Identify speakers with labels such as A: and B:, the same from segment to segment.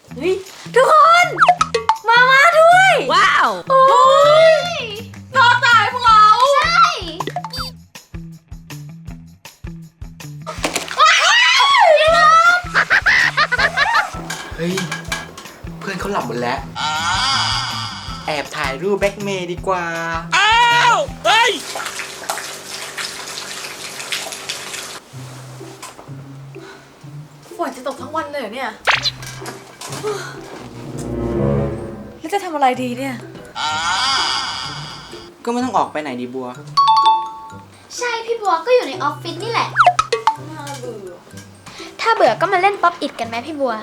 A: เฮ้ยทุกคนมาด้วย
B: ว้าว
A: โอ้ยรอตายพวกเรา
C: ใช่
D: เฮ้ยเพื่อนเขาหลับหมดแล้วแอบถ่ายรูปแบ็คเมย์ดีกว่า
B: อ้าวเฮ้ย
A: ฝนจะตกทั้งวันเลยเนี่ยแล้วจะทำอะไรดีเนี่ย
D: ก็ไม่ต้องออกไปไหนดีบัว
C: ใช่พี่บัวก็อยู่ในออฟฟิศนี่แหละ
A: น่าเบื่อ
C: ถ้าเบื่อก็มาเล่นป๊อปอิดกันไหมพี่บัว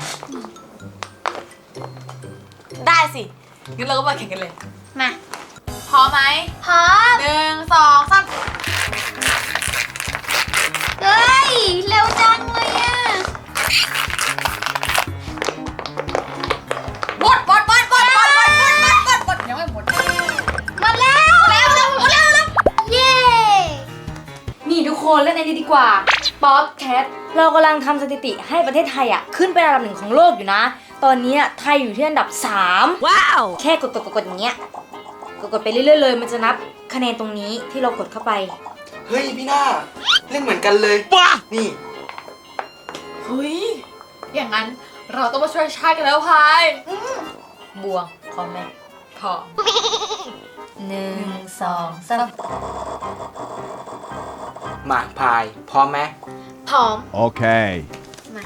A: ได้สิงั้นเราก็มาแข่งกันเลย
C: มา
A: พร้อมไหม
C: พร้อม
A: 1 2 3
C: เฮ้ย เร็วจังเลยอ่ะ
A: หมดยังไม่หมด
C: หมดแล้วหมดแล้ว เย้
E: นี่ทุกคนเล่นอันนี้ดีกว่าป๊อปแคทเรากำลังทำสถิติให้ประเทศไทยอ่ะขึ้นเป็นอันดับ1ของโลกอยู่นะตอนนี้ไทยอยู่ที่อันดับ3
B: ว้าว
E: แค่กดอย่างเงี้ยกดไปเรื่อยๆเลยมันจะนับคะแนนตรงนี้ที่เรากดเข้าไป
D: เฮ้ยพี่หน้าเล่นเหมือนกันเลย
B: ว้า
D: นี่
A: เฮ้ยอย่างนั้นเราต้องมาช่วยชาติกันแล้วพาย
E: บัวพร้อมไหม
A: พร้อม
E: 1 2 3
D: มาพายพร้อมไหม
C: พร้อม
F: Okay.
C: มา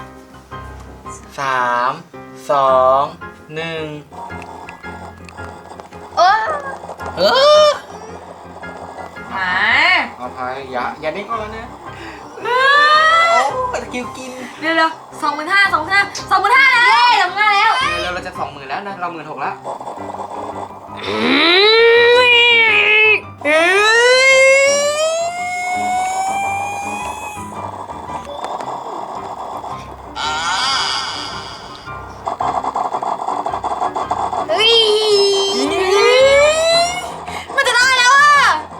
D: 3 2 1
C: โอ้
D: เออ
A: มา
D: เอาพายอย่าเด้งออกแล้วนะโอ้ตะกิ้วกิน
A: เร็ว25,000แล้ว
E: ทำงานแล้ว
D: เราจะ20,000แล้วนะเรา16,000แล้ว
C: เฮ้ย
A: มันจะได้แล้วอ่ะ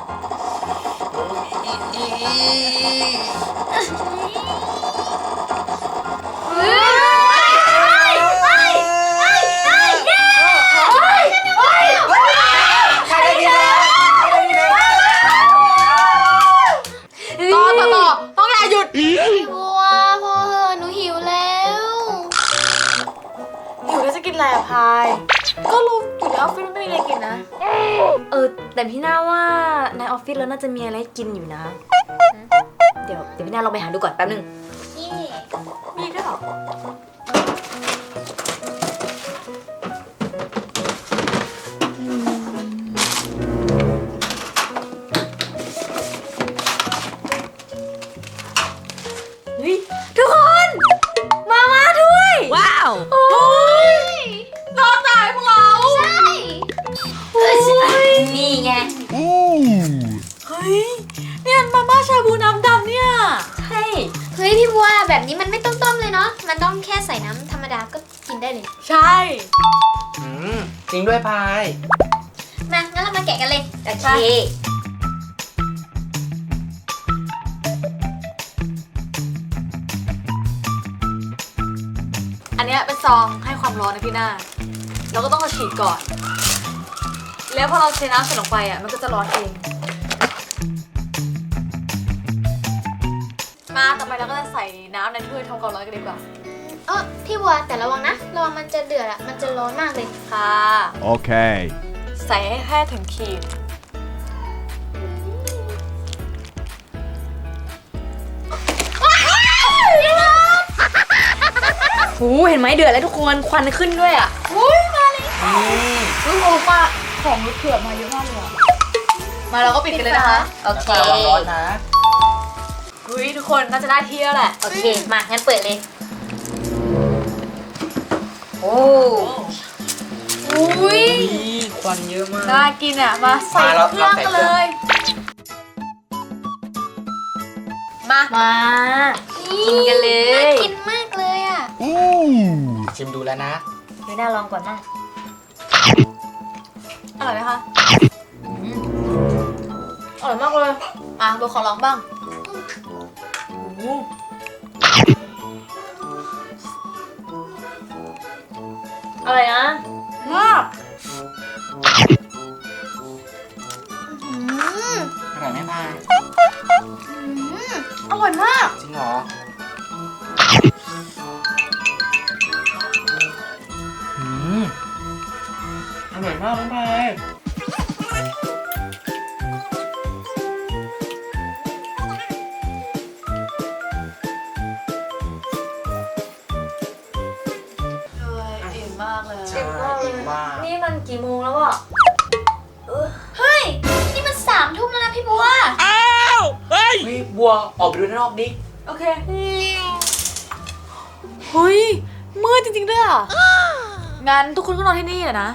C: เฮ้ย
D: ใครได้กินแล้วใครได้กินแล้ว
A: ต่อต้องอย่าหยุด
C: พี่บัวพอเหอะหนูหิวแล้ว
A: อยู่แล้วจะกินอะไรอะพายก็รู้อยู่ในออฟฟิศไม่มีอะไรกินนะ
E: แต่พี่น่าว่าในออฟฟิศแล้วน่าจะมีอะไรให้กินอยู่นะเดี๋ยวพี่น่าลองไปหาดูก่อนแป๊บนึง
C: เย่
A: มีด้วยเหรอ
E: เฮ้ยทุกคนมาด้วย
B: ว้าว
A: โอ้ยรอตายพวกเรา
C: ใช่
E: นี่ไง
F: Ooh.
A: เฮ้ยเนี่ยมาม่าชาบูน้ำดำเนี่ย
E: ใช่
C: เฮ้ยพี่บัวแบบนี้มันไม่ต้องต้มเลยเนาะ มันต้องแค่ใส่น้ำธรรมดาก็กินได้เลย
A: ใช่
D: จริงด้วยพาย
C: มา งั้นเรามาแกะกันเลย
E: โอเค
A: อันเนี้ยเป็นซองให้ความร้อนนะพี่หน้าเราก็ต้องมาฉีดก่อน แล้วพอเราเทน้ำใส่ลงไปอ่ะมันก็จะร้อนเองมาต่อไปเราก็จะใส่น้ำในถ้วยทำความร้อนกันดีกว่า
C: พี่บัวแต่ระวังนะ ระวังมันจะเดือดอะมันจะร้อนมากเลย
A: ค่ะ
F: Okay.
A: ใส่ให้แค่ถึงขีด
E: หูเห็นไหมเดือดแล้วทุกคนควันขึ้นด้วยอ่ะ
A: ลูกโอป้าของลูกเผือกมาเยอะมากเลยอะมาเราก็ปิดกันเลยนะคะ
E: โอเค
D: ระวังร้อนนะ
A: เฮ้ยทุกคนน่าจะได้ที่แล้วแหละ
E: โอเคมางั้นเปิดเลยโอ้
A: อุ้ย
D: ควันเยอะมาก
A: น่ากินอ่ะมาใส่
D: มาเรา
A: เครื่อง
D: ใส่
A: กัน
D: เครื่
A: เล
D: อง
A: ย มา
E: มากินกันเล
C: น่าย กินมากเลยอะ
F: Ooh.
D: ชิมดูแล้วนะ
E: ไม่น่าลองก่อนนะ
A: อร่อยไหมคะอร่อยมากเลยอ่ะโบขอลองบ้าง
E: อะไรนะงอบ
D: อร่อยไหมพาย
E: อร่อยมาก
D: จริงเหรออร่อยมากน้องพาย
A: อิ่มมากเลย
D: อิ่มมาก
E: นี่มันกี่โมงแล้วอ่ะ
C: เฮ้ย นี่มัน3 ทุ่มแล้วนะพี่บัว
B: อ้าวเฮ้ย
D: เฮ้ยบัวออกไปดูด้านนอกดิ
E: โอเค
A: เฮ้ยมืดจริงๆด้วยอ่ะ งั้นทุกคนก็นอนที่นี่แหละนะ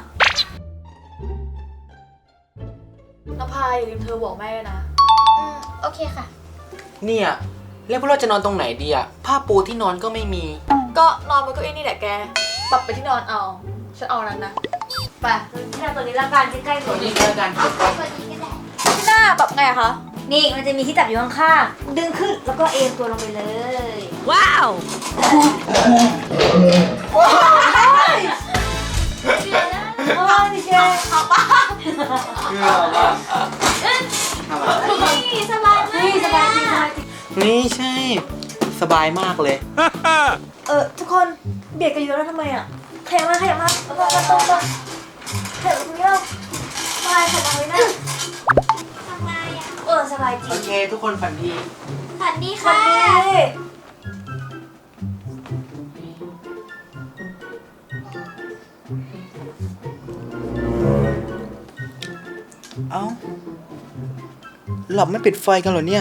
A: น้ำพายอย่าลืมเธอบอกแม่ด้วยนะ
C: โอเคค่ะ
D: เนี่ย แล้วพวกเราจะนอนตรงไหนดีอะผ้าปูที่นอนก็ไม่มี
A: ก็นอนบนเก้าอี้นี่แหละแก ปรับไปที่นอนเอา ฉันเอานั้นนะ ไป
E: แค่ตัวนี้ละกันใกล้ๆ
D: ตั
E: ตัว ว
D: นี้
E: นี้
D: ก็แล้วกัน
C: ตัวนี้ก็ได้
A: ที่หน้าปรับไงอะคะ
E: นี่มันจะมีที่จับอยู่ข้างๆ ดึงขึ้นแล้วก็เอนตัวลงไปเลย
B: ว้าว
E: โอ้ยดิเจ
C: นี่สบายมาก
E: นี่สบายจริงสบายจริง
D: นี่ใช่ สบายมากเลย
E: ทุกคนเบียดกันอยู่แล้วทำไมอ่ะขยับมาขยับมาตรงมาตรงมาขยับตรงนี้แล้วสบายขยับตรงนี้นะ
C: สบายอ่ะ
E: สบายจริ
D: โอง เค ทุกคนฝันดี
C: ฝันดี
E: สวั
C: ค่ะ
E: สดี
D: เอ้า หลับไม่ปิดไฟกันเหรอเนี่ย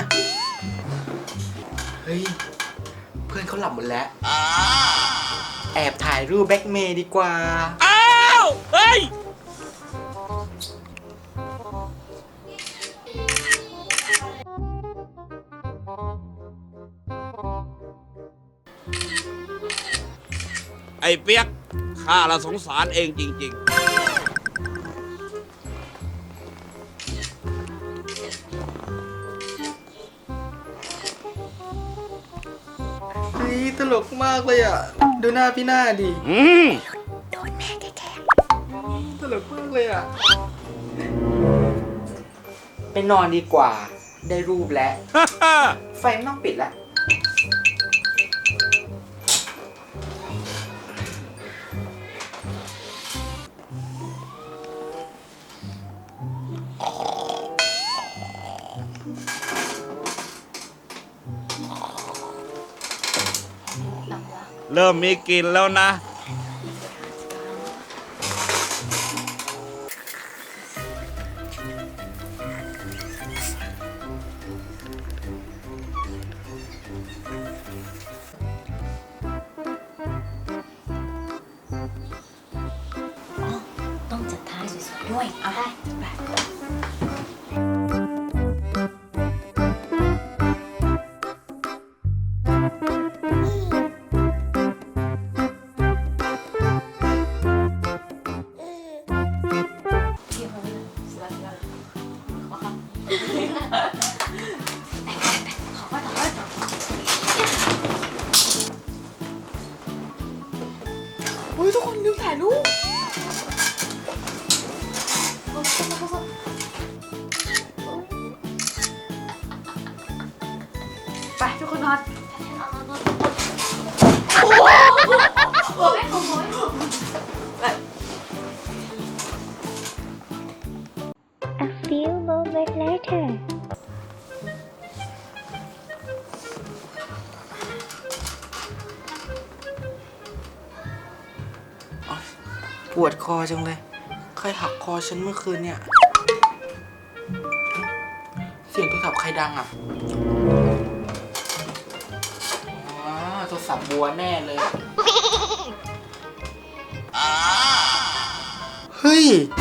D: เฮ้ย เพื่อนเขาหลับหมดแล้ว แอบถ่ายรูปแบ็กเมย์ดีกว่า
B: อ้าวเฮ้ย ไอ้เปียกข้าละสงสารเองจริง ๆ
D: เฮ้ย ตลกมากเลยอ่ะ ดูหน้าพี่หน้าดิ
B: อืม
D: ตลกมากเลยอ่ะ ไปนอนดีกว่า ได้รูปแล้ว ไฟไม่ต้องปิดแล้ว
B: เริ่มมีกลิ่นแล้วนะ
E: ต้องจัดท้ายสวยๆด้วยเอาได้ไปเฮ้ยทุกคนลืมถ่ายรูป
A: ไปทุกคนนอน
C: A few moments later
D: ปวดคอจังเลย ใครหักคอฉันเมื่อคืนเนี่ย เสียงโทรศัพท์ใครดังอ่ะอ๋อโทรศัพท์บัวแน่เลย เฮ้ย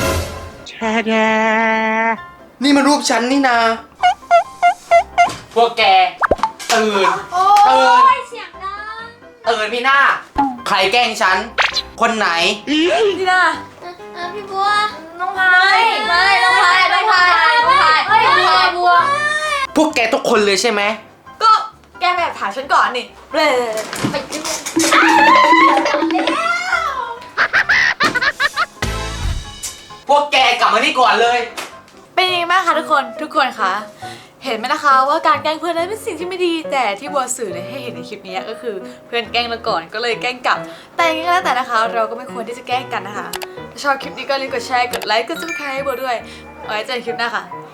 D: นี่มันรูปฉันนี่นา พวกแก ตื่น ตื่น
C: เสียงดัง
D: ตื่นพี่หน้า ใครแกล้งฉัน คนไหน
A: ที่หน้า
C: พี่บัว
E: น้องพายไม่น้องพายน้องพายน้องพาย
C: เฮ้ย
E: น้องพายบัว
D: พวกแกทุกคนเลยใช่ไหม
A: ก็แกแอบถ่ายฉันก่อนนี่เบลอ
C: ไป
D: มานี่ก่อนเลย
A: เป็นยังไงบ้างคะทุกคนคะเห็นไหมนะคะว่าการแกล้งเพื่อนนั้นเป็นสิ่งที่ไม่ดีแต่ที่บัวสื่อเนี่ยให้เห็นในคลิปนี้ก็คือเพื่อนแกล้งเราก่อนก็เลยแกล้งกลับแต่ยังไงก็แล้วแต่นะคะ เราก็ไม่ควรที่จะแกล้งกันนะคะถ้าชอบคลิปนี้ก็รีบกดแชร์กดไลค์กดซับสไครต์ให้บัวด้วยไว้เจอกันคลิปหน้าค่ะ